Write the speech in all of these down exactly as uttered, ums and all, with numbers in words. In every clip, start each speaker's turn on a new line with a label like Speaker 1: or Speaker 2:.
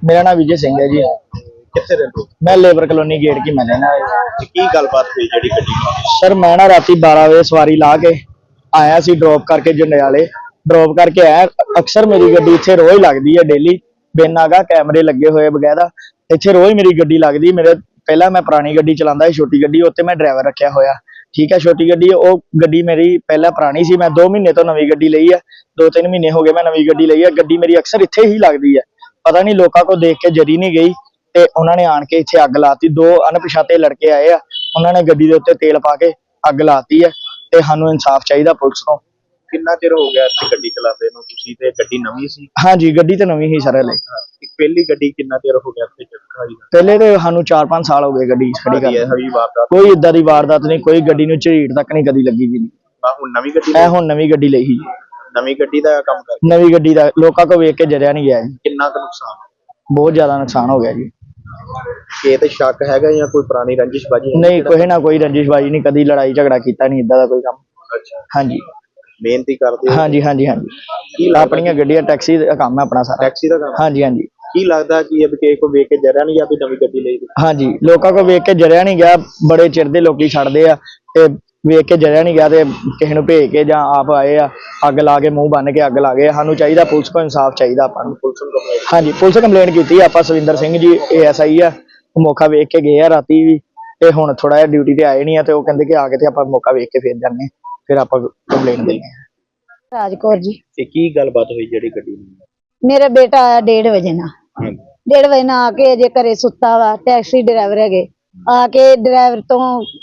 Speaker 1: मेरा नाम विजय सिंह है जी।
Speaker 2: कितने रहते हो?
Speaker 1: मैं लेबर कॉलोनी गेट की मैं रहना
Speaker 2: की गलबात हुई जी गड्डी नाल?
Speaker 1: सर मैं ना राती बारह बजे सवारी ला के आया सी ड्रॉप करके जंडियाले ड्रॉप करके आया। अक्सर मेरी गड्डी इत्थे रोज लगदी है डेली बिन आगा कैमरे लगे हुए बगैरा इत्थे रोज मेरी गड्डी लगदी। मेरे पहला मैं पुरानी गड्डी चलांदा सी छोटी गड्डी उत्ते मैं ड्राइवर रखा होया ठीक है। छोटी गड्डी वो गड्डी मेरी पहला पुरानी सी मैं दो महीने तो नवी गड्डी लई है दो तीन महीने हो गए मैं नवी गड्डी लई है। गड्डी मेरी अक्सर इत्थे ही लगदी है पता नहीं लोगों को देख के जरी नहीं गई ते उन्होंने आन के इत्थे अग लाती। दो अनपछाते लड़के आए आ उन्होंने गड्डी दे उत्ते तेल पा के अग लाती है ते सानू इंसाफ चाहिए पुलिस को।
Speaker 2: कितना चिर हो गया इत्थे गड्डी चलाते नु तुसी ते गड्डी नवी सी?
Speaker 1: हाँ जी गड्डी तो नवी ही सर हले।
Speaker 2: पहली गड्डी कितना चिर हो गया इत्थे खड़ी?
Speaker 1: पहले तो सानू चार पांच साल हो गए गड्डी खड़ी कर
Speaker 2: हवी वारदात
Speaker 1: कोई इदा दी वारदात नहीं कोई गड्डी नू झीड़ तक नहीं कदी लगी जी।
Speaker 2: हुण नवी गड्डी
Speaker 1: मैं हुण नवी गड्डी लई ही
Speaker 2: नवी गड्डी दा काम कर
Speaker 1: नवी गड्डी दा लोकां को वेख के जरिया नहीं गया जी।
Speaker 2: कितना का नुकसान?
Speaker 1: बहुत ज्यादा नुकसान हो गया जी।
Speaker 2: ये तो शक हैगा या कोई पुरानी रंजिशबाजी?
Speaker 1: नहीं कोई ना कोई रंजिशबाजी नहीं कदी लड़ाई झगड़ा कीता नहीं इदा दा कोई काम।
Speaker 2: अच्छा
Speaker 1: हाँ जी
Speaker 2: मेहनती करते हो?
Speaker 1: हाँ जी हाँ जी हाँ जी अपनी गड्डियां टैक्सी दा काम है अपना सारा।
Speaker 2: टैक्सी दा काम?
Speaker 1: हाँ जी हाँ जी।
Speaker 2: की लगदा कि अब किसी को वेख के जरिया नहीं गया भी नवी गड्डी लई?
Speaker 1: हाँ जी लोगों को वेख के जरिया नहीं गया बड़े चिर दे लोकी छड़दे आ ते वेख के जरिया नहीं गया ते किसी नूं भेज के जां आप आए आ अग ला के मुंह बन के अग ला गए। सानू चाहिए पुलिस को इंसाफ चाहिए आपां नूं।
Speaker 2: पुलिस नूं कंप्लेंट?
Speaker 1: हाँ जी पुलिस कंप्लेंट की आप Savinder Singh ji A S I आ मौका वेख के गए आ राती भी ते हुण थोड़ा जिहा ड्यूटी ते आए नहीं आ ते ओह कहंदे कि आके ते आपां मौका वेख के फिर जाने फिर आपां कंप्लेंट देने।
Speaker 3: राजकौर जी
Speaker 2: ते की गलबात हुई जेड़ी गड्डी नूं?
Speaker 3: मेरा बेटा आया डेढ़ बजे ना डेढ़ बजे ना आके अजे घरे सुता वा टैक्सी ड्राइवर है आके ड्राइवर तो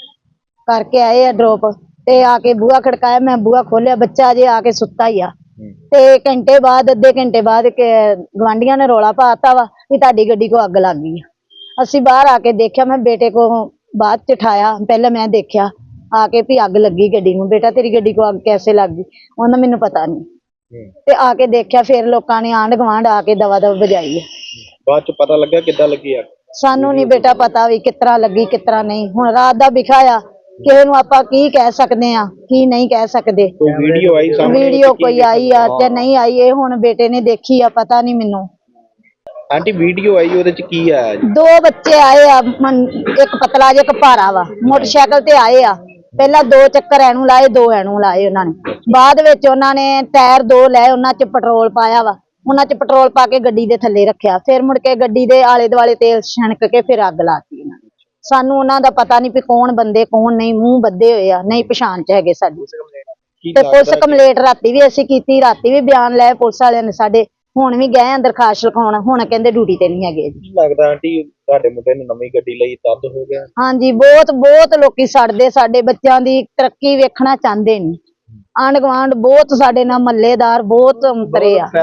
Speaker 3: करके आए ड्रॉप ते आके बूहा खड़काया मैं बूहा खोलिया बच्चा अजे आके सुता ही आ ते घंटे बाद अद्धे घंटे बाद गवांढियां ने रौला पाता वा कि ताड़ी गड्डी को अग लग गई। असी बाहर आके देखा मैं बेटे को बाद च उठाया पहले मैं देखा आके भी अग लगी गड्डी नूं। बेटा तेरी गड्डी को अग कैसे लग गई? उन्होंने मैनू पता नहीं ते आके देखा फिर लोगों ने आंढ गवांढ आके दवा दवा बजाई है।
Speaker 2: बाद च पता लगा किद्दां लगी अग?
Speaker 3: सानू नहीं बेटा पता भी कितना लगी कितना नहीं। हुण रात दा बिखाया किसे नूं आपां की कह सकदे आ की नहीं कह सकदे।
Speaker 2: कोई वीडियो आई सामने?
Speaker 3: वीडियो कोई आई आ ते नहीं आई ये हुण बेटे ने देखी आ पता नहीं मैनू।
Speaker 2: आंटी वीडियो आई ओदे च की आया जी?
Speaker 3: दो बच्चे आए आ एक पतला जे एक भारा वा मोटरसाइकिल ते आए आ पहला दो चक्कर एनू लाए दो एनू लाए उन्होंने बाद विच उन्होंने टायर दो लाए उन्हां च पेट्रोल पाया वा उन्हां च पेट्रोल पा के गड्डी दे थल्ले रखिया फिर मुड़ के गड्डी दे आले दुआले तेल छणक के फिर अग लाती उन्होंने। सानू उन्हां दा पता नहीं भी कौन बंदे कौन नहीं मूंह बद्दे होए आ नहीं पछाण च हैगे साडी ते पुलिस कंप्लेंट राती भी असीं कीती राती भी बयान लए पुलिस वालियां ने साडे हुण भी गए दरखास्त लिखाउण हुण कहंदे ड्यूटी ते नहीं हैगे।
Speaker 2: की लगदा आंटी तुहाडे मुंडे ने नवी गड्डी लई तद हो गया?
Speaker 3: हाँ जी बहुत बहुत लोकी सड़दे साडे बच्चों दी तरक्की वेखना चाहते नहीं। आंढ गुआंढ बहुत साडे नाल मल्लेदार बहुत अंतरे आ।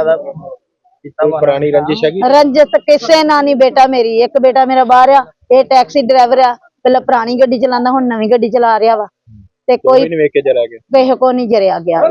Speaker 2: कोई पुरानी रंजिश हैगी?
Speaker 3: रंजिश किसे ना नहीं बेटा मेरी एक बेटा मेरा बाहर आ ये टैक्सी ड्राइवर आ पहले पुरानी गड्डी चलांदा हुण नवी गड्डी चला रहा वा ते कोई
Speaker 2: नहीं वेख के जरा गया
Speaker 3: किसे को नहीं जरिया गया।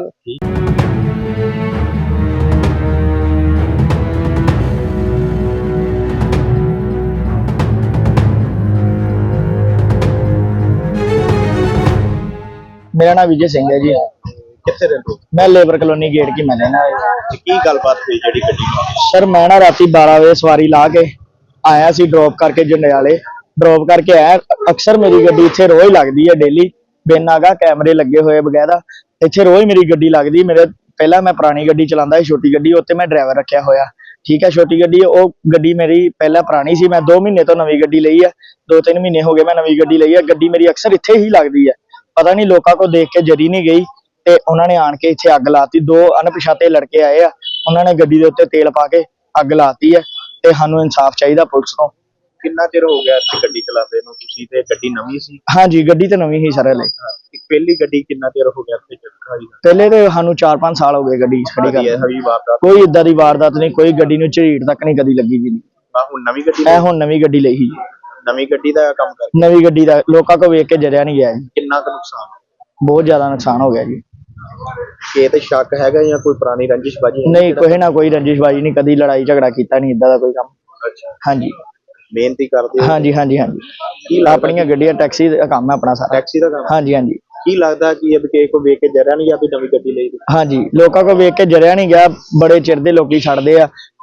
Speaker 1: मेरा नाम विजय सिंह है जी।
Speaker 2: कितने रहते हो?
Speaker 1: मैं लेबर कॉलोनी गेट की मैं रहना
Speaker 2: की गलबात हुई जेड़ी गड्डी नाल?
Speaker 1: सर मैं ना राती बारह बजे सवारी ला के आया सी ड्रॉप करके जंडियाले ड्रॉप करके आया। अक्सर मेरी गड्डी इत्थे रोज लगदी है डेली बिन आगा कैमरे लगे हुए बगैरा इत्थे रोज मेरी गड्डी लगदी। मेरे पहला मैं पुरानी गड्डी चलांदा सी छोटी गड्डी उत्ते मैं ड्राइवर रखा होया ठीक है। छोटी गड्डी वो गड्डी मेरी पहला पुरानी सी मैं दो महीने तो नवी गड्डी लई है दो तीन महीने हो गए मैं नवी गड्डी लई है। गड्डी मेरी अक्सर इत्थे ही लगदी है पता नहीं लोगों को देख के जरी नहीं गई ते उन्होंने आन के इत्थे अग लाती। दो अनपछाते लड़के आए आ उन्होंने गड्डी दे उत्ते तेल पा के अग लाती है ते सानू इंसाफ चाहिए पुलिस को।
Speaker 2: कितना चिर हो गया इत्थे गड्डी चलाते नु तुसी ते गड्डी नवी सी?
Speaker 1: हाँ जी गड्डी तो नवी ही सर हले।
Speaker 2: पहली गड्डी कितना चिर हो गया इत्थे खड़ी?
Speaker 1: पहले तो सानू चार पांच साल हो गए गड्डी खड़ी कर
Speaker 2: हवी वारदात
Speaker 1: कोई इदा दी वारदात नहीं कोई गड्डी नूं झीड़ तक नहीं कदी लगी जी।
Speaker 2: हुण नवी गड्डी?
Speaker 1: मैं हुण नवी गड्डी लई ही
Speaker 2: नवी गड्डी दा काम कर
Speaker 1: नवी गड्डी दा लोकां को वेख के जरिया नहीं गया जी।
Speaker 2: कितना का नुकसान?
Speaker 1: बहुत ज्यादा नुकसान हो गया जी।
Speaker 2: ये तो शक हैगा या कोई पुरानी रंजिशबाजी?
Speaker 1: नहीं कोई ना कोई रंजिशबाजी नहीं कदी लड़ाई झगड़ा कीता नहीं इदा दा कोई काम।
Speaker 2: अच्छा
Speaker 1: हाँ जी
Speaker 2: मेहनती करते हो?
Speaker 1: हाँ जी हाँ जी हाँ जी अपनी गड्डियां टैक्सी दा काम है अपना सारा।
Speaker 2: टैक्सी दा काम?
Speaker 1: हाँ जी हाँ जी।
Speaker 2: की लगदा कि अब किसी को वेख के जरिया नहीं गया भी नवी गड्डी लई?
Speaker 1: हाँ जी लोगों को वेख के जरिया नहीं गया बड़े चिर दे लोकी छड़दे आ ते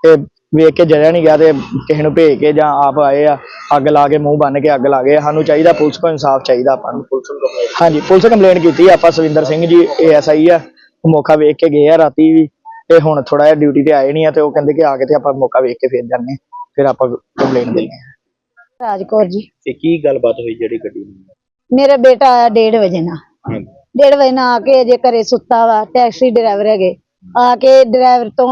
Speaker 1: ਵੇਖ ਕੇ ਜਰਿਆ ਨਹੀਂ ਗਿਆ ਤੇ ਕਿਸੇ ਨੂੰ ਭੇਜ ਕੇ ਜਾਂ ਆਪ ਆਏ ਆ ਅੱਗ ਲਾ ਕੇ ਮੂੰਹ ਬੰਨ ਕੇ ਅੱਗ ਲਾ ਗਏ। ਸਾਨੂੰ ਚਾਹੀਦਾ ਪੁਲਿਸ ਕੋਲ ਇਨਸਾਫ ਚਾਹੀਦਾ ਆਪਾਂ ਨੂੰ।
Speaker 2: ਪੁਲਿਸ ਨੂੰ ਕੰਪਲੇਂਟ?
Speaker 1: ਹਾਂਜੀ ਪੁਲਿਸ ਕੰਪਲੇਂਟ ਕੀਤੀ ਆਪਾਂ। ਸਵਿੰਦਰ ਸਿੰਘ ਜੀ ਏ ਐਸ ਆਈ ਆ, ਉਹ ਮੌਕਾ ਵੇਖ ਕੇ ਗਏ ਆ ਰਾਤੀ ਵੀ, ਤੇ ਹੁਣ ਥੋੜਾ ਜਿਹਾ ਡਿਊਟੀ ਤੇ ਆਏ ਨਹੀਂ ਆ, ਤੇ ਉਹ ਕਹਿੰਦੇ ਕਿ ਆ ਕੇ ਤੇ ਆਪਾਂ ਮੌਕਾ ਵੇਖ ਕੇ ਫਿਰ ਜਾਂਦੇ, ਫਿਰ ਆਪਾਂ ਕੰਪਲੇਂਟ ਦਿੰਦੇ ਆ।
Speaker 3: ਰਾਜਕੌਰ ਜੀ।
Speaker 2: ਤੇ ਕੀ ਗੱਲਬਾਤ ਹੋਈ ਜਿਹੜੀ ਗੱਡੀ ਨੂੰ?
Speaker 3: ਮੇਰਾ ਬੇਟਾ ਆਇਆ ਡੇਢ ਵਜੇ ਨਾਲ,
Speaker 2: ਹਾਂਜੀ
Speaker 3: ਡੇਢ ਵਜੇ ਨਾਲ ਆ ਕੇ ਅਜੇ ਘਰੇ ਸੁੱਤਾ ਵਾ। ਟੈਕਸੀ ਡਰਾਈਵਰ ਹੈਗੇ, ਆ ਕੇ ਡਰਾਈਵਰ ਤੋਂ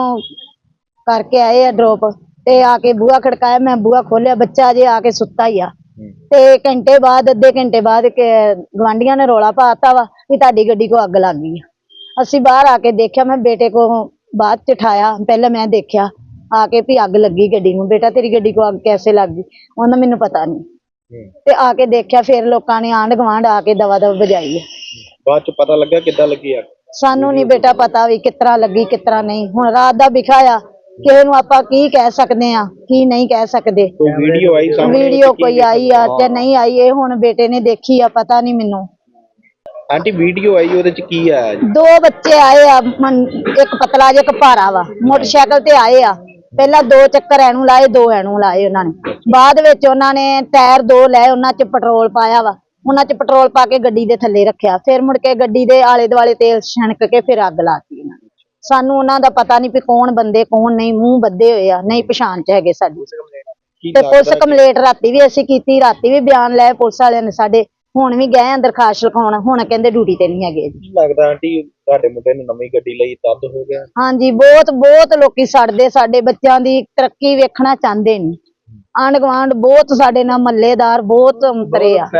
Speaker 3: ਕਰਕੇ ਆਏ ਆ ਡ੍ਰੌਪ, ਤੇ ਆ ਕੇ ਬੂਹਾ ਖੜਕਾਇਆ, ਮੈਂ ਬੂਹਾ ਖੋਲਿਆ, ਬੱਚਾ ਅਜੇ ਆ ਕੇ ਸੁੱਤਾ ਹੀ ਆ। ਤੇ ਘੰਟੇ ਬਾਅਦ ਅੱਧੇ ਘੰਟੇ ਬਾਅਦ ਗਵਾਂਢੀਆਂ ਨੇ ਰੌਲਾ ਪਾਤਾ ਵਾ ਵੀ ਤੁਹਾਡੀ ਗੱਡੀ ਕੋ ਅੱਗ ਲੱਗ ਗਈ ਆ। ਅਸੀਂ ਬਾਹਰ ਆ ਕੇ ਦੇਖਿਆ, ਮੈਂ ਬੇਟੇ ਕੋ ਬਾਅਦ ਚ ਉਠਾਇਆ, ਪਹਿਲਾਂ ਮੈਂ ਦੇਖਿਆ ਆ ਕੇ ਵੀ ਅੱਗ ਲੱਗੀ ਗੱਡੀ ਨੂੰ। ਬੇਟਾ ਤੇਰੀ ਗੱਡੀ ਕੋ ਅੱਗ ਕੈਸੇ ਲੱਗ ਗਈ? ਉਹਨਾਂ ਮੈਨੂੰ ਪਤਾ ਨਹੀਂ। ਤੇ ਆ ਕੇ ਦੇਖਿਆ, ਫਿਰ ਲੋਕਾਂ ਨੇ ਆਂਢ ਗੁਆਂਢ ਆ ਕੇ ਦਵਾ ਦਵ ਵਜਾਈ ਹੈ।
Speaker 2: ਬਾਅਦ ਚ ਪਤਾ ਲੱਗਾ ਕਿੱਦਾਂ ਲੱਗੀ ਅੱਗ?
Speaker 3: ਸਾਨੂੰ ਨਹੀਂ ਬੇਟਾ ਪਤਾ ਵੀ ਕਿਸ ਤਰ੍ਹਾਂ ਲੱਗੀ ਕਿਸ ਤਰ੍ਹਾਂ ਨਹੀਂ। ਹੁਣ ਰਾਤ ਦਾ ਵਿਖਾ ਆ, ਕਿਸੇ ਨੂੰ ਆਪਾਂ ਕੀ ਕਹਿ ਸਕਦੇ ਆ ਕੀ ਨਹੀਂ ਕਹਿ ਸਕਦੇ।
Speaker 2: ਕੋਈ ਵੀਡੀਓ ਆਈ ਸਾਹਮਣੇ?
Speaker 3: ਵੀਡੀਓ ਕੋਈ ਆਈ ਆ ਤੇ ਨਹੀਂ ਆਈ, ਇਹ ਹੁਣ ਬੇਟੇ ਨੇ ਦੇਖੀ ਆ, ਪਤਾ ਨਹੀਂ ਮੈਨੂੰ।
Speaker 2: ਆਂਟੀ ਵੀਡੀਓ ਆਈ ਉਹਦੇ ਚ ਕੀ ਆਇਆ ਜੀ?
Speaker 3: ਦੋ ਬੱਚੇ ਆਏ ਆ, ਮਨ- ਇੱਕ ਪਤਲਾ ਜਿਹਾ ਇੱਕ ਭਾਰਾ ਵਾ, ਮੋਟਰਸਾਈਕਲ ਤੇ ਆਏ ਆ। ਪਹਿਲਾਂ ਦੋ ਚੱਕਰ ਐਨੂੰ ਲਾਏ, ਦੋ ਐਨੂੰ ਲਾਏ ਉਹਨਾਂ ਨੇ। ਬਾਅਦ ਵਿੱਚ ਉਹਨਾਂ ਨੇ ਟਾਇਰ ਦੋ ਲਏ, ਉਹਨਾਂ ਚ ਪੈਟਰੋਲ ਪਾਇਆ ਵਾ, ਉਹਨਾਂ ਚ ਪੈਟਰੋਲ ਪਾ ਕੇ ਗੱਡੀ ਦੇ ਥੱਲੇ ਰੱਖਿਆ। ਫਿਰ ਮੁੜ ਕੇ ਗੱਡੀ ਦੇ ਆਲੇ ਦੁਆਲੇ ਤੇਲ ਛਣਕ ਕੇ ਫਿਰ ਅੱਗ ਲਾਤੀ ਇਹਨਾਂ ਨੇ। ਸਾਨੂੰ ਉਹਨਾਂ ਦਾ ਪਤਾ ਨਹੀਂ ਵੀ ਕੌਣ ਬੰਦੇ ਕੌਣ ਨਹੀਂ, ਮੂੰਹ ਬੱਧੇ ਹੋਏ ਆ, ਨਹੀਂ ਪਛਾਣ ਚ ਹੈਗੇ ਸਾਡੀ।
Speaker 2: ਕੀ
Speaker 3: ਤੇ ਪੁਲਿਸ
Speaker 2: ਲੱਗਦਾ
Speaker 3: ਕੰਪਲੇਂਟ ਰਾਤੀ ਵੀ ਅਸੀਂ ਕੀਤੀ, ਰਾਤੀ ਵੀ ਬਿਆਨ ਲਏ ਪੁਲਿਸ ਵਾਲਿਆਂ ਨੇ ਸਾਡੇ। ਹੁਣ ਵੀ ਗਏ ਆ ਦਰਖਾਸਤ ਲਿਖਾਉਣ, ਹੁਣ ਕਹਿੰਦੇ ਡਿਊਟੀ ਤੇ ਨਹੀਂ ਹੈਗੇ ਜੀ।
Speaker 2: ਕੀ ਲੱਗਦਾ ਆਂਟੀ ਤੁਹਾਡੇ ਮੁੰਡੇ ਨੇ ਨਵੀਂ ਗੱਡੀ ਲਈ ਤਦ ਹੋ ਗਿਆ?
Speaker 3: ਹਾਂਜੀ ਬਹੁਤ ਬਹੁਤ ਲੋਕੀ ਸੜਦੇ, ਸਾਡੇ ਬੱਚਿਆਂ ਦੀ ਤਰੱਕੀ ਵੇਖਣਾ ਚਾਹੁੰਦੇ ਨਹੀਂ। ਆਂਢ ਗੁਆਂਢ ਬਹੁਤ ਸਾਡੇ ਨਾਲ ਮੱਲੇਦਾਰ ਬਹੁਤ ਅੰਤਰੇ ਆ।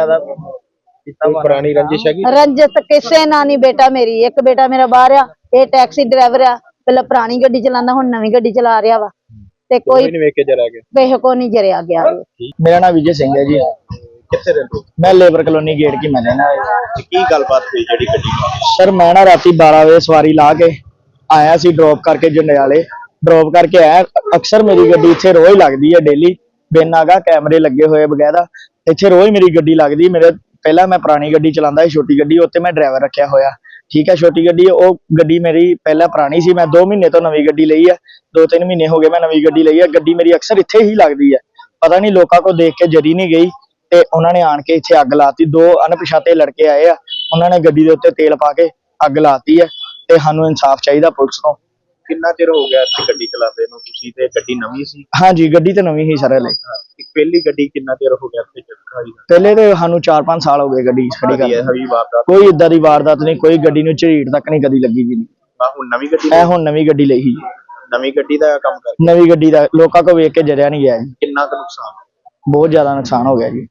Speaker 2: ਕੋਈ ਪੁਰਾਣੀ ਰੰਜਿਸ਼ ਹੈਗੀ?
Speaker 3: ਰੰਜਤ ਕਿਸੇ ਨਾਲ ਨਹੀਂ ਬੇਟਾ। ਮੇਰੀ ਇੱਕ ਬੇਟਾ ਮੇਰਾ ਬਾਹਰ ਆ, ਇਹ ਟੈਕਸੀ ਡਰਾਈਵਰ ਆ, ਪਹਿਲਾਂ ਪੁਰਾਣੀ ਗੱਡੀ ਚਲਾਉਂਦਾ, ਹੁਣ ਨਵੀਂ ਗੱਡੀ ਚਲਾ ਰਿਹਾ ਵਾ। ਤੇ ਕੋਈ
Speaker 2: ਕੋਈ ਨਹੀਂ ਵੇਖ ਕੇ ਜਰਾ ਗਿਆ?
Speaker 3: ਕਿਸੇ ਕੋ ਨਹੀਂ ਜਰਿਆ ਗਿਆ।
Speaker 1: ਮੇਰਾ ਨਾਮ ਵਿਜੇ ਸਿੰਘ ਹੈ ਜੀ,
Speaker 2: ਕਿੱਥੇ ਰਹਿੰਦੇ?
Speaker 1: ਮੈਂ ਲੇਬਰ ਕਲੋਨੀ ਗੇਟ ਕੀ ਮੈਂ ਰਹਿਣਾ।
Speaker 2: ਤੇ ਕੀ ਗੱਲਬਾਤ ਹੋਈ ਜਿਹੜੀ ਗੱਡੀ ਨੂੰ?
Speaker 1: ਸਰ ਮੈਂ ਨਾ ਰਾਤੀ ਬਾਰਾਂ ਵਜੇ ਸਵਾਰੀ ਲਾ ਕੇ ਆਇਆ ਸੀ ਡ੍ਰੌਪ ਕਰਕੇ ਜੰਡਿਆਲੇ, ਡ੍ਰੌਪ ਕਰਕੇ ਆਇਆ। ਅਕਸਰ ਮੇਰੀ ਗੱਡੀ ਇੱਥੇ ਰੋਜ਼ ਲੱਗਦੀ ਹੈ, ਡੇਲੀ ਬਿਨ ਆਗਾ ਕੈਮਰੇ ਲੱਗੇ ਹੋਏ ਬਗੈਰਾ ਇੱਥੇ ਰੋਜ਼ ਮੇਰੀ ਗੱਡੀ ਲੱਗਦੀ। ਮੇਰੇ ਪਹਿਲਾਂ ਮੈਂ ਪੁਰਾਣੀ ਗੱਡੀ ਚਲਾਉਂਦਾ ਸੀ, ਛੋਟੀ ਗੱਡੀ, ਉੱਤੇ ਮੈਂ ਡਰਾਈਵਰ ਰੱਖਿਆ ਹੋਇਆ, ਠੀਕ ਹੈ। ਛੋਟੀ ਗੱਡੀ ਉਹ ਗੱਡੀ ਮੇਰੀ ਪਹਿਲਾਂ ਪੁਰਾਣੀ ਸੀ, ਮੈਂ ਦੋ ਮਹੀਨੇ ਤੋਂ ਨਵੀਂ ਗੱਡੀ ਲਈ ਹੈ, ਦੋ ਤਿੰਨ ਮਹੀਨੇ ਹੋ ਗਏ ਮੈਂ ਨਵੀਂ ਗੱਡੀ ਲਈ ਹੈ। ਗੱਡੀ ਮੇਰੀ ਅਕਸਰ ਇੱਥੇ ਹੀ ਲੱਗਦੀ ਹੈ, ਪਤਾ ਨਹੀਂ ਲੋਕਾਂ ਕੋ ਦੇਖ ਕੇ ਜਰੀ ਨਹੀਂ ਗਈ, ਤੇ ਉਹਨਾਂ ਨੇ ਆਣ ਕੇ ਇੱਥੇ ਅੱਗ ਲਾਤੀ। ਦੋ ਅਣਪਛਾਤੇ ਲੜਕੇ ਆਏ ਆ, ਉਹਨਾਂ ਨੇ ਗੱਡੀ ਦੇ ਉੱਤੇ ਤੇਲ ਪਾ ਕੇ ਅੱਗ ਲਾਤੀ ਹੈ, ਤੇ ਸਾਨੂੰ ਇਨਸਾਫ ਚਾਹੀਦਾ ਪੁਲਿਸ ਤੋਂ।
Speaker 2: ਕਿੰਨਾ ਚਿਰ ਹੋ ਗਿਆ ਇੱਥੇ ਗੱਡੀ ਚਲਾਉਂਦੇ ਨੂੰ ਤੁਸੀਂ? ਤੇ ਗੱਡੀ ਨਵੀਂ ਸੀ?
Speaker 1: ਹਾਂਜੀ ਗੱਡੀ ਤੇ ਨਵੀਂ ਹੀ ਸਰ। ਲਈ
Speaker 2: ਪਹਿਲੀ ਗੱਡੀ ਕਿੰਨਾ ਚਿਰ ਹੋ ਗਿਆ ਇੱਥੇ ਚੜਕਾਈ?
Speaker 1: ਪਹਿਲੇ ਤੇ ਸਾਨੂੰ ਚਾਰ ਪੰਜ ਸਾਲ ਹੋ ਗਏ ਗੱਡੀ ਖੜੀ ਕਰਦੇ।
Speaker 2: ਹਵੀ ਵਾਰਦਾਤ
Speaker 1: ਕੋਈ ਇਦਾਂ ਦੀ ਵਾਰਦਾਤ ਨਹੀਂ, ਕੋਈ ਗੱਡੀ ਨੂੰ ਝਰੀਟ ਤੱਕ ਨਹੀਂ ਕਦੀ ਲੱਗੀ ਵੀ ਨਹੀਂ।
Speaker 2: ਆ ਹੁਣ ਨਵੀਂ ਗੱਡੀ
Speaker 1: ਇਹ ਹੁਣ ਨਵੀਂ ਗੱਡੀ ਲਈ ਸੀ,
Speaker 2: ਨਵੀਂ ਗੱਡੀ ਦਾ ਕੰਮ ਕਰ
Speaker 1: ਨਵੀਂ ਗੱਡੀ ਦਾ ਲੋਕਾਂ ਕੋ ਵੇਖ ਕੇ ਜਰਿਆ ਨਹੀਂ ਗਿਆ ਜੀ।
Speaker 2: ਕਿੰਨਾ ਕੁ ਨੁਕਸਾਨ?
Speaker 1: ਬਹੁਤ ਜ਼ਿਆਦਾ ਨੁਕਸਾਨ ਹੋ ਗਿਆ ਜੀ।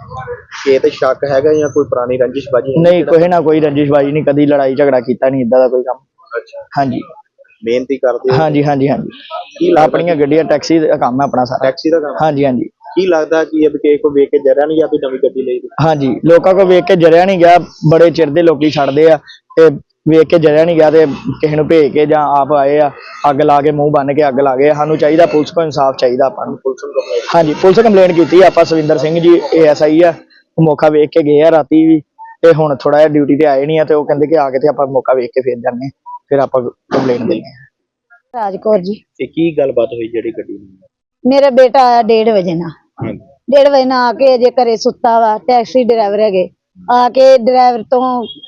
Speaker 2: ਇਹ ਤੇ ਸ਼ੱਕ ਹੈਗਾ ਜਾਂ ਕੋਈ ਪੁਰਾਣੀ ਰੰਜਿਸ਼ਬਾਜੀ?
Speaker 1: ਨਹੀਂ ਕੋਈ ਨਾ ਕੋਈ ਰੰਜਿਸ਼ਬਾਜੀ ਨਹੀਂ, ਕਦੀ ਲੜਾਈ ਝਗੜਾ ਕੀਤਾ ਨਹੀਂ, ਇਦਾਂ ਦਾ ਕੋਈ ਕੰਮ।
Speaker 2: ਅੱਛਾ
Speaker 1: ਹਾਂਜੀ
Speaker 2: ਮਿਹਨਤੀ ਕਰਦੇ ਹੋ?
Speaker 1: ਹਾਂਜੀ ਹਾਂਜੀ ਹਾਂਜੀ
Speaker 2: ਕੀ ਲੱਗਦਾ
Speaker 1: ਆਪਣੀਆਂ ਗੱਡੀਆਂ ਟੈਕਸੀ ਦਾ ਕੰਮ ਹੈ ਆਪਣਾ ਸਾਰਾ।
Speaker 2: ਟੈਕਸੀ ਦਾ ਕੰਮ?
Speaker 1: ਹਾਂਜੀ ਹਾਂਜੀ
Speaker 2: ਕੀ ਲੱਗਦਾ ਕਿ ਇਹ ਕਿਸੇ ਕੋ ਵੇਖ ਕੇ ਜਰਿਆ ਨਹੀਂ ਜਾਂ ਵੀ ਨਵੀਂ ਗੱਡੀ ਲਈ?
Speaker 1: ਹਾਂਜੀ ਲੋਕਾਂ ਕੋ ਵੇਖ ਕੇ ਜਰਿਆ ਨਹੀਂ ਗਿਆ, ਬੜੇ ਚਿਰ ਦੇ ਲੋਕੀ ਛੱਡਦੇ ਆ, ਤੇ ਵੇਖ ਕੇ ਜਰਿਆ ਨਹੀਂ ਗਿਆ ਤੇ ਕਿਸੇ ਨੂੰ ਭੇਜ ਕੇ ਜਾਂ ਆਪ ਆਏ ਆ ਅੱਗ ਲਾ ਕੇ ਮੂੰਹ ਬੰਨ ਕੇ ਅੱਗ ਲਾ ਗਏ। ਸਾਨੂੰ ਚਾਹੀਦਾ ਪੁਲਿਸ ਕੋਲ ਇਨਸਾਫ ਚਾਹੀਦਾ ਆਪਾਂ ਨੂੰ।
Speaker 2: ਪੁਲਿਸ ਨੂੰ ਕੰਪਲੇਂਟ?
Speaker 1: ਹਾਂਜੀ ਪੁਲਿਸ ਕੰਪਲੇਂਟ ਕੀਤੀ ਆਪਾਂ। ਸਵਿੰਦਰ ਸਿੰਘ ਜੀ ਏ ਐਸ ਆਈ ਆ, ਉਹ ਮੌਕਾ ਵੇਖ ਕੇ ਗਏ ਆ ਰਾਤੀ ਵੀ, ਤੇ ਹੁਣ ਥੋੜਾ ਜਿਹਾ ਡਿਊਟੀ ਤੇ ਆਏ ਨਹੀਂ ਆ, ਤੇ ਉਹ ਕਹਿੰਦੇ ਕਿ ਆ ਕੇ ਤੇ ਆਪਾਂ ਮੌਕਾ ਵੇਖ ਕੇ ਫਿਰ ਜਾਂਦੇ, ਫਿਰ ਆਪਾਂ ਕੰਪਲੇਂਟ ਦਿੰਦੇ ਆ।
Speaker 3: ਰਾਜਕੌਰ ਜੀ।
Speaker 2: ਤੇ ਕੀ ਗੱਲਬਾਤ ਹੋਈ ਜਿਹੜੀ ਗੱਡੀ ਨੂੰ?
Speaker 3: ਮੇਰਾ ਬੇਟਾ ਆਇਆ ਡੇਢ ਵਜੇ ਨਾਲ,
Speaker 2: ਹਾਂਜੀ
Speaker 3: ਡੇਢ ਵਜੇ ਨਾਲ ਆ ਕੇ ਅਜੇ ਘਰੇ ਸੁੱਤਾ ਵਾ। ਟੈਕਸੀ ਡਰਾਈਵਰ ਹੈਗੇ, ਆ ਕੇ ਡਰਾਈਵਰ ਤੋਂ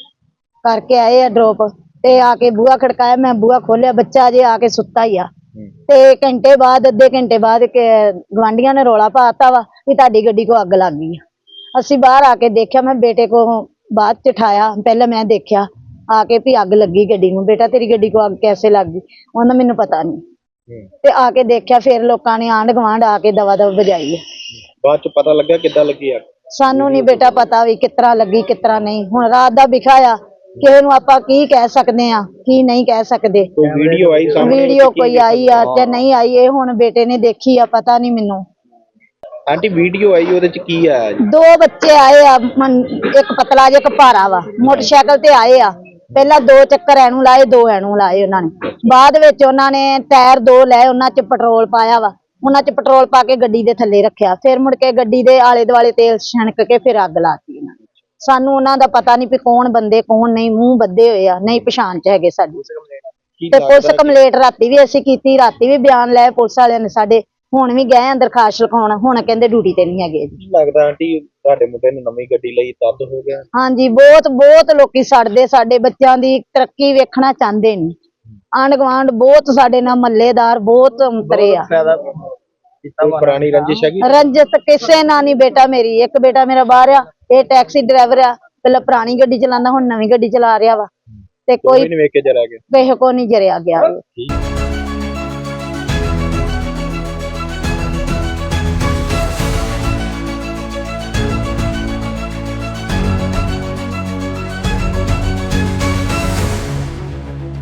Speaker 3: ਕਰਕੇ ਆਏ ਆ ਡ੍ਰੌਪ, ਤੇ ਆ ਕੇ ਬੂਹਾ ਖੜਕਾਇਆ, ਮੈਂ ਬੂਹਾ ਖੋਲਿਆ, ਬੱਚਾ ਅਜੇ ਆ ਕੇ ਸੁੱਤਾ ਹੀ ਆ। ਤੇ ਘੰਟੇ ਬਾਅਦ ਅੱਧੇ ਘੰਟੇ ਬਾਅਦ ਗਵਾਂਢੀਆਂ ਨੇ ਰੌਲਾ ਪਾਤਾ ਵਾ ਵੀ ਤੁਹਾਡੀ ਗੱਡੀ ਕੋ ਅੱਗ ਲੱਗ ਗਈ ਆ। ਅਸੀਂ ਬਾਹਰ ਆ ਕੇ ਦੇਖਿਆ, ਮੈਂ ਬੇਟੇ ਕੋ ਬਾਅਦ ਚ ਉਠਾਇਆ, ਪਹਿਲਾਂ ਮੈਂ ਦੇਖਿਆ ਆ ਕੇ ਵੀ ਅੱਗ ਲੱਗੀ ਗੱਡੀ ਨੂੰ। ਬੇਟਾ ਤੇਰੀ ਗੱਡੀ ਕੋ ਅੱਗ ਕੈਸੇ ਲੱਗ ਗਈ? ਉਹਨਾਂ ਮੈਨੂੰ ਪਤਾ ਨਹੀਂ। ਤੇ ਆ ਕੇ ਦੇਖਿਆ, ਫਿਰ ਲੋਕਾਂ ਨੇ ਆਂਢ ਗੁਆਂਢ ਆ ਕੇ ਦਵਾ ਦਵ ਵਜਾਈ ਹੈ।
Speaker 2: ਬਾਅਦ ਚ ਪਤਾ ਲੱਗਾ ਕਿੱਦਾਂ ਲੱਗੀ ਅੱਗ?
Speaker 3: ਸਾਨੂੰ ਨਹੀਂ ਬੇਟਾ ਪਤਾ ਵੀ ਕਿਸ ਤਰ੍ਹਾਂ ਲੱਗੀ ਕਿਸ ਤਰ੍ਹਾਂ ਨਹੀਂ। ਹੁਣ ਰਾਤ ਦਾ ਵਿਖਾ ਆ, ਕਿਸੇ ਨੂੰ ਆਪਾਂ ਕੀ ਕਹਿ ਸਕਦੇ ਆ ਕੀ ਨਹੀਂ ਕਹਿ ਸਕਦੇ।
Speaker 2: ਕੋਈ ਵੀਡੀਓ ਆਈ ਸਾਹਮਣੇ?
Speaker 3: ਵੀਡੀਓ ਕੋਈ ਆਈ ਆ ਤੇ ਨਹੀਂ ਆਈ, ਇਹ ਹੁਣ ਬੇਟੇ ਨੇ ਦੇਖੀ ਆ, ਪਤਾ ਨਹੀਂ ਮੈਨੂੰ।
Speaker 2: ਆਂਟੀ ਵੀਡੀਓ ਆਈ ਉਹਦੇ ਚ ਕੀ ਆਇਆ ਜੀ?
Speaker 3: ਦੋ ਬੱਚੇ ਆਏ ਆ, ਮਨ- ਇੱਕ ਪਤਲਾ ਜਿਹਾ ਇੱਕ ਭਾਰਾ ਵਾ, ਮੋਟਰਸਾਈਕਲ ਤੇ ਆਏ ਆ। ਪਹਿਲਾਂ ਦੋ ਚੱਕਰ ਐਨੂੰ ਲਾਏ, ਦੋ ਐਨੂੰ ਲਾਏ ਉਹਨਾਂ ਨੇ। ਬਾਅਦ ਵਿੱਚ ਉਹਨਾਂ ਨੇ ਟਾਇਰ ਦੋ ਲਏ, ਉਹਨਾਂ ਚ ਪੈਟਰੋਲ ਪਾਇਆ ਵਾ, ਉਹਨਾਂ ਚ ਪੈਟਰੋਲ ਪਾ ਕੇ ਗੱਡੀ ਦੇ ਥੱਲੇ ਰੱਖਿਆ। ਫਿਰ ਮੁੜ ਕੇ ਗੱਡੀ ਦੇ ਆਲੇ ਦੁਆਲੇ ਤੇਲ ਛਣਕ ਕੇ ਫਿਰ ਅੱਗ ਲਾਤੀ ਇਹਨਾਂ ਨੇ। ਸਾਨੂੰ ਉਹਨਾਂ ਦਾ ਪਤਾ ਨਹੀਂ ਵੀ ਕੌਣ ਬੰਦੇ ਕੌਣ ਨਹੀਂ, ਮੂੰਹ ਬੱਧੇ ਹੋਏ ਆ, ਨਹੀਂ ਪਛਾਣ ਚ ਹੈਗੇ ਸਾਡੀ।
Speaker 2: ਕੀ
Speaker 3: ਤੇ ਪੁਲਿਸ
Speaker 2: ਲੱਗਦਾ ਕਿ-
Speaker 3: ਕੰਪਲੇਂਟ ਰਾਤੀ ਵੀ ਅਸੀਂ ਕੀਤੀ, ਰਾਤੀ ਵੀ ਬਿਆਨ ਲਏ ਪੁਲਿਸ ਵਾਲਿਆਂ ਨੇ ਸਾਡੇ, ਹੁਣ ਵੀ ਗਏ ਅੰਦਰ ਦਰਖਾਸਤ ਲਿਖਾਉਣ, ਹੁਣ ਕਹਿੰਦੇ ਡਿਊਟੀ ਤੇ ਨਹੀਂ ਹੈਗੇ ਜੀ।
Speaker 2: ਕੀ ਲੱਗਦਾ ਆਂਟੀ ਤੁਹਾਡੇ ਮੁੰਡੇ ਨੇ ਨਵੀਂ ਗੱਡੀ ਲਈ ਤਦ ਹੋ ਗਿਆ?
Speaker 3: ਹਾਂਜੀ, ਬਹੁਤ ਬਹੁਤ ਲੋਕੀ ਸੜਦੇ, ਸਾਡੇ ਬੱਚਿਆਂ ਦੀ ਤਰੱਕੀ ਵੇਖਣਾ ਚਾਹੁੰਦੇ ਨਹੀਂ। ਆਂਢ ਗੁਆਂਢ ਬਹੁਤ ਸਾਡੇ ਨਾਲ ਮਹੱਲੇਦਾਰ ਬਹੁਤ ਅੰਤਰੇ ਆ।
Speaker 2: ਕੋਈ ਪੁਰਾਣੀ ਰੰਜਿਸ਼ ਹੈਗੀ?
Speaker 3: ਰੰਜਤ ਕਿਸੇ ਨਾਲ ਨਹੀਂ ਬੇਟਾ, ਮੇਰੀ ਇੱਕ ਬੇਟਾ ਮੇਰਾ ਬਾਹਰ ਆ, ਇਹ ਟੈਕਸੀ ਡਰਾਈਵਰ ਆ, ਪਹਿਲਾਂ ਪੁਰਾਣੀ ਗੱਡੀ ਚਲਾਉਂਦਾ, ਹੁਣ ਨਵੀਂ ਗੱਡੀ ਚਲਾ ਰਿਹਾ ਵਾ, ਤੇ
Speaker 2: ਕੋਈ
Speaker 3: ਕੋਈ
Speaker 2: ਨਹੀਂ ਵੇਖ ਕੇ ਜਰਾ ਗਿਆ
Speaker 3: ਕਿਸੇ ਕੋ ਨਹੀਂ ਜਰਿਆ ਗਿਆ।
Speaker 2: ਠੀਕ